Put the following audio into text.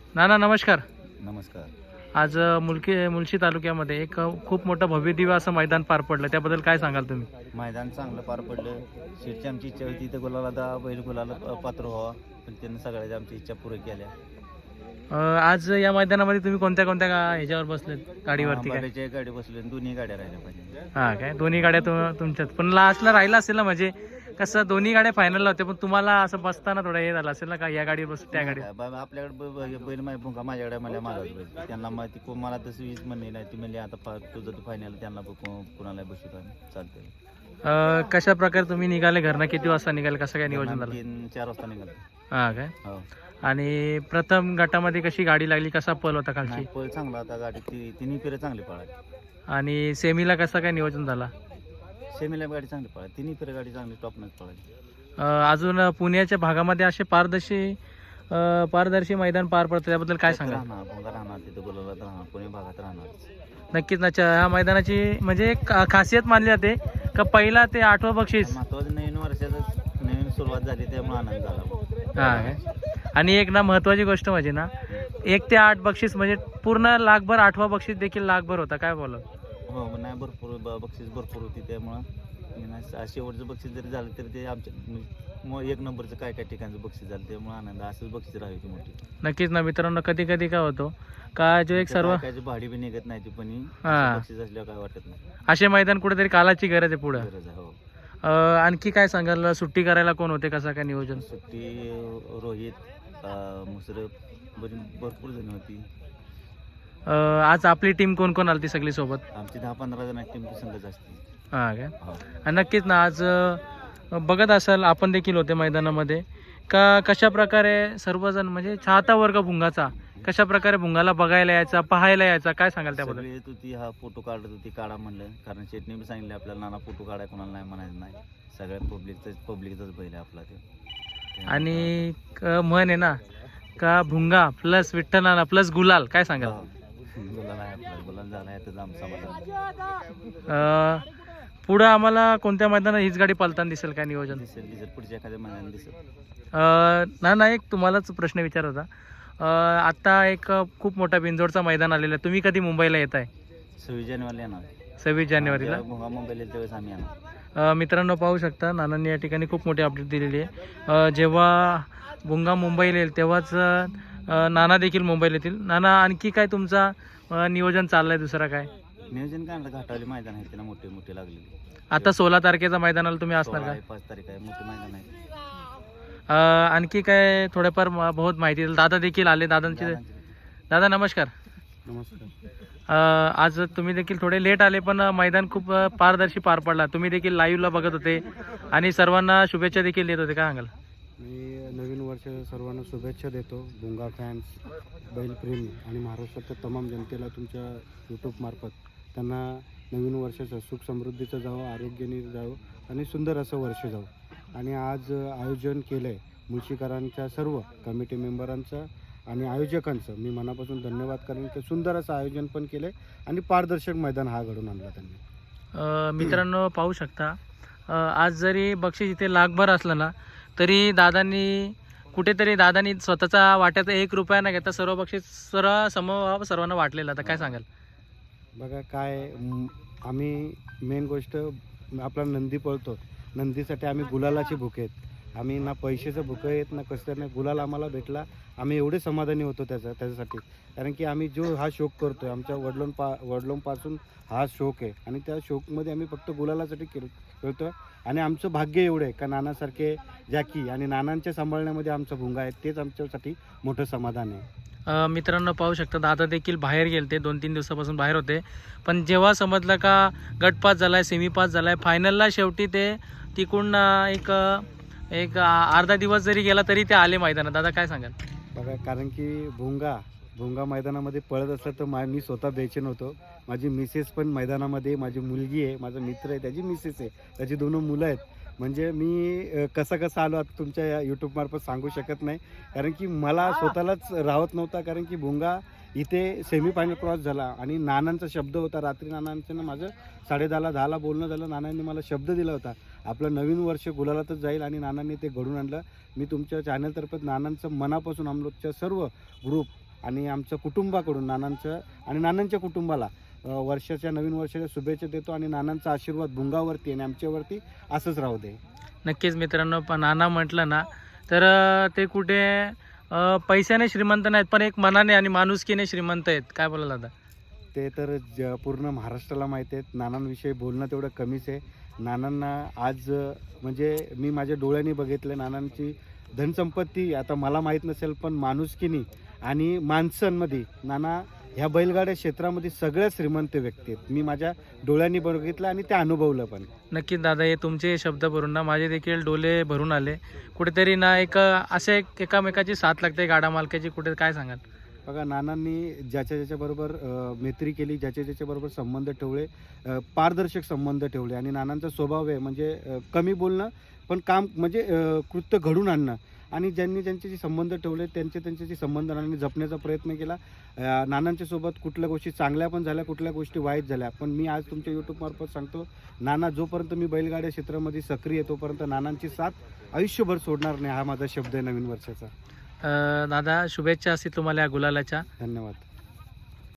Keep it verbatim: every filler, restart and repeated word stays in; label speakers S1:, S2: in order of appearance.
S1: नाना नमस्कार.
S2: नमस्कार.
S1: आज अ, मुलकी मुळशी तालुक्यामध्ये एक अ, खूप मोठं भव्य दिव्य असं मैदान पार पडलं, त्याबद्दल काय सांगाल तुम्ही?
S2: मैदान चांगलं पार पडलं. शेठची आमची इच्छा होती तर गुलाला दा बैल गुलाला प- पात्र व्हावा, पण त्यांनी सगळ्याच्या आमची इच्छा पूर्ण केल्या.
S1: अ, आज या मैदानामध्ये तुम्ही कोणत्या कोणत्या गा- ह्याच्यावर बसलेत गाडीवरती काय?
S2: बाबाच्या गाडी बसली आणि दोन्ही गाड्या राहिल्या पाहिजे.
S1: हा काय दोन्ही गाड्या तु- तुमच्यात पण लास्टला राहिला असेल ना, म्हणजे कसं दोन्ही गाड्या फायनलला होत्या पण तुम्हाला असं बसताना थोडं हे झालं असेल ना, का या गाडीवर बसू त्या गाडीवर?
S2: काय बा- आपल्याकडे ब- ब- बैल माझ्या भुंगा माझ्याकडे मला मागत बैल त्यांना माहिती कोण मला तसं वीज म्हणली नाही. ती म्हणली आता फा- तुझं तू फायनल त्यांना बघ- को- कुणाला बसू चालते.
S1: अ, कशा प्रकारे तुम्ही निघाले घरनं, किती वाजता निघाले, कसं काय नियोजन झालं?
S2: तीन चार वाजता निघालो.
S1: हा काय
S2: हो
S1: आणि प्रथम गटामध्ये कशी गाडी लागली, कसा पल होता खालची?
S2: नाही पळ चांगला होता. गाडी ती तिन्ही फेरे चांगली पळाली.
S1: आणि सेमीला कसं काय नियोजन झाला?
S2: सेमीला गाडी चांगली पळाली. तिन्ही फेरे गाडी चांगली टॉपनच पळाली.
S1: अ, अजून पुण्याच्या भागामध्ये असे पारदर्शी अ, पारदर्शी मैदान पार पडतं, त्याबद्दल काय सांगा?
S2: राहणार भोंगा राहणार तिथे बोलवलं राहणार पुणे भागात राहणार.
S1: नक्कीच ना. ह्या मैदानाची म्हणजे एक खा- खासियत मानली जाते का पहिला ते आठवं बक्षीस.
S2: महत्वाचं नवीन वर्षाचं नवीन सुरुवात झाली त्यामुळे आनंद झाला.
S1: हा काय आणि एक ना महत्वाची गोष्ट म्हणजे ना, एक ते आठ बक्षीस म्हणजे पूर्ण लाखभर, आठवा बक्षीस देखील लाखभर होता. काय बोला?
S2: हो मग नाही भरपूर ब- बक्षीस भरपूर होती त्यामुळं मी नाही- शेवटचं बक्षीस जरी झालं तरी ते आमच्या म- एक नंबरचं काय काय ठिकाणचं बक्षीस झालं त्यामुळे आनंद. असंच बक्षीस राहायची मोठी.
S1: नक्कीच ना मित्रांनो, कधी कधी काय होतो का जो एक सर्व
S2: काय भाडी बी निघत नाही ती पण
S1: हा.
S2: बक्षीस असल्यावर काय वाटत नाही.
S1: असे मैदान कुठेतरी कालाची गरज आहे पुढं.
S2: गरज आहे. हो
S1: अ, आणखी काय सांगाल, सुट्टी करायला कोण होते, कसं काय नियोजन?
S2: सुट्टी रोहित अं, मुसरफ बरी भरपूर जण होती.
S1: अ, आज आपली टीम कोण कोण आली ती सगळी सोबत?
S2: आमची दहा पंधरा जण टीम संघच असते.
S1: हा काय
S2: हो.
S1: आणि नक्कीच ना, आज अ, बघत असाल आपण देखील होते मैदानामध्ये का कशा प्रकारे सर्वजण म्हणजे चाहता वर्ग भुंगाचा कशा प्रकारे भुंगाला बघायला यायचा, पाहायला यायचा, काय सांगाल त्याबद्दल?
S2: सगळी येत होती. हा फोटो काढत होती, काढा म्हणलं. कारण शेटने बी सांगितलं आपल्याला नाना फोटो काढाय कोणाला नाही म्हणायचं नाही. सगळ्या पब्लिकच पब्लिकचाच बैल आहे आपला ते.
S1: आणि क- म्हण आहे ना का भुंगा प्लस विठ्ठलाला प्लस गुलाल, काय सांगाल?
S2: गुलाल आहे आपला. गुलाल झाला आहे तर आमचा समाधान.
S1: अ, पुढं आम्हाला कोणत्या मैदानात हीच गाडी पळताना दिसेल काय नियोजन?
S2: दिसेल दिसेल पुढच्या एखाद्या महिन्यात दिसेल.
S1: अ, ना ना एक तुम्हालाच प्रश्न विचारायचा. अ, आता एक खूप मोठा बिंजोडचा मैदान आलेला आहे, तुम्ही कधी मुंबईला येत आहे?
S2: सव्वीस जानेवारीला येणार.
S1: सव्वीस जानेवारीला.
S2: जेव्हा भोंगा मुंबईला येईल त्यावेळेस आम्ही येणार.
S1: अ, मित्रांनो पाहू शकता, नानांनी या ठिकाणी खूप मोठी अपडेट दिलेली आहे. अ, जेव्हा भुंगा मुंबईला येईल तेव्हाच अ, नाना देखील मुंबईला येतील. नाना, आणखी काय तुमचा अ, नियोजन चाललंय, दुसरा काय?
S2: नियोजन काय म्हणलं, घाटावली मैदान आहे त्याला मोठे मोठे लागलेले.
S1: आता सोळा तारखेचा मैदानाला तुम्ही असणार
S2: सोळा
S1: का?
S2: आहे, पाच तारीख आहे, मोठे मैदान आहे.
S1: अ, आणखी काय थोडंफार म- बहुत माहिती दिली. दादा देखील आले, दादांची. दादा नमस्कार.
S2: नमस्कार.
S1: अ, आज तुम्ही देखील थोडे लेट आले पण मैदान खूप अ, पारदर्शी पार पडला. तुम्ही देखील लाईव्हला बघत होते आणि सर्वांना शुभेच्छा देखील देत होते, काय सांगाल?
S3: मी नवीन वर्ष सर्वांना शुभेच्छा देतो. भुंगा फॅन्स, बैलप्रेमी आणि महाराष्ट्राच्या तमाम जनतेला तुमच्या यूट्यूबमार्फत त्यांना नवीन वर्षाचं सुख समृद्धीचं जावं, आरोग्याने जावं आणि सुंदर असं वर्ष जावं. आणि आज आयोजन केलं आहे मुळशीकरांच्या सर्व कमिटी मेंबरांचं आणि आयोजकांचं मी मनापासून धन्यवाद करेन की सुंदर असं आयोजन पण केलं आहे आणि पारदर्शक मैदान हा घडून आणला त्यांनी.
S1: अ, मित्रांनो पाहू शकता, अ, आज जरी बक्षीस इथे लाखभर असलं ना, तरी दादांनी कुठेतरी दादांनी स्वतःचा वाट्याचा एक रुपया न घेता सर्व बक्षीस सर्व समभाव सर्वांना वाटलेलं. आता काय सांगाल?
S3: बघा काय म, आम्ही मेन गोष्ट आपला नंदी पळतो, नंदीसाठी आम्ही गुलालाचे भुके आहेत. आम्ही ना पैशाचं भुकं आहेत ना कसं नाही. गुलाल आम्हाला भेटला, आम्ही एवढे समाधानी होतो त्याचा त्याच्यासाठी. कारण की आम्ही जो हा शौक करतो आहे आमच्या वडिलोंपा वडिलोंपासून हा शौक आहे आणि त्या शौकमध्ये आम्ही फक्त गुलालासाठी खेळ खेळतो आहे. आणि आमचं भाग्य एवढं आहे का नानासारखे जॅकी आणि नानांच्या सांभाळण्यामध्ये आमचा भुंगा आहे, तेच आमच्यासाठी मोठं समाधान आहे.
S1: अ, मित्रांनो पाहू शकता, दादा देखील बाहेर गेलते, दोन तीन दिवसापासून बाहेर होते. पण जेव्हा समजलं का गट पास झालाय, सेमी पास झालाय, फायनलला शेवटी ते तिकडून अ, एक एक अ, अर्धा दिवस जरी गेला तरी ते आले मैदानात. दादा काय सांगाल?
S3: बघा कारण की भुंगा भुंगा मैदानामध्ये पळत असलं तर मा मी स्वतः बेचैन होतो. माझी मिसेस पण मैदानामध्ये, माझी मुलगी आहे, माझा मित्र आहे, त्याची मिसेस आहे, त्याची दोन मुलं आहेत. म्हणजे मी अ, कसं कसं आलो आता तुमच्या या यूट्यूबमार्फत सांगू शकत नाही. कारण की मला स्वतःलाच राहत नव्हता. कारण की भुंगा इथे सेमीफायनल क्रॉस झाला आणि नानांचा शब्द होता. रात्री नानांचं ना माझं साडेदहाला दहाला बोलणं झालं. नानांनी मला शब्द दिला होता आपलं नवीन वर्ष गुलालातच जाईल आणि नानांनी ते घडून आणलं. मी तुमच्या चॅनलतर्फे नानांचं मनापासून आमच्या सर्व ग्रुप आणि आमचं कुटुंबाकडून नानांचं आणि नानांच्या कुटुंबाला अ, वर्षाच्या नवीन वर्षाच्या शुभेच्छा देतो आणि नानांचा आशीर्वाद भुंगावरती आणि आमच्यावरती असंच राहू दे.
S1: नक्कीच मित्रांनो, पण नाना म्हटलं ना तर अ, ते कुठे अ, पैशाने श्रीमंत नाहीत, पण एक मनाने आणि माणुसकीने श्रीमंत आहेत. काय बोला दादा?
S3: ते तर ज पूर्ण महाराष्ट्राला माहीत आहेत. नानांविषयी बोलणं तेवढं कमीच आहे. नानांना आज अ, म्हणजे मी माझ्या डोळ्यांनी बघितलं नानांची धनसंपत्ती आता मला माहीत नसेल, पण माणुसकीनी आणि माणसांमध्ये नाना ह्या बैलगाड्या क्षेत्रामध्ये सगळ्यात श्रीमंत व्यक्ती आहेत. मी माझ्या डोळ्यांनी बघितलं आणि ते अनुभवलं पण.
S1: नक्कीच दादा, हे तुमचे शब्द भरून ना माझे देखील डोले भरून आले. कुठेतरी ना एक अ, असे एक एकामेकाची साथ लागते गाडा मालकाची. कुठे काय सांगाल?
S3: बघा, नानांनी ज्याच्या ज्याच्याबरोबर अ, मैत्री केली, ज्याच्या ज्याच्याबरोबर संबंध ठेवले, अ, पारदर्शक संबंध ठेवले आणि नानांचा स्वभाव आहे म्हणजे अ, कमी बोलणं पण काम म्हणजे अ, कृत्य घडून आणणं. आणि ज्यांनी ज्यांचे जे संबंध ठेवले त्यांचे त्यांचे जे संबंध नानांनी जपण्याचा प्रयत्न केला. अ, नानांच्या सोबत कुठल्या गोष्टी चांगल्या पण झाल्या, कुठल्या गोष्टी वाईट झाल्या. पण मी आज तुमच्या यूट्यूबमार्फत सांगतो, नाना जोपर्यंत मी बैलगाड्या क्षेत्रामध्ये सक्रिय आहे तोपर्यंत नानांची साथ आयुष्यभर सोडणार नाही. हा माझा शब्द आहे नवीन वर्षाचा.
S1: अ, दादा, शुभेच्छा असतील तुम्हाला या गुलालाच्या.
S3: धन्यवाद.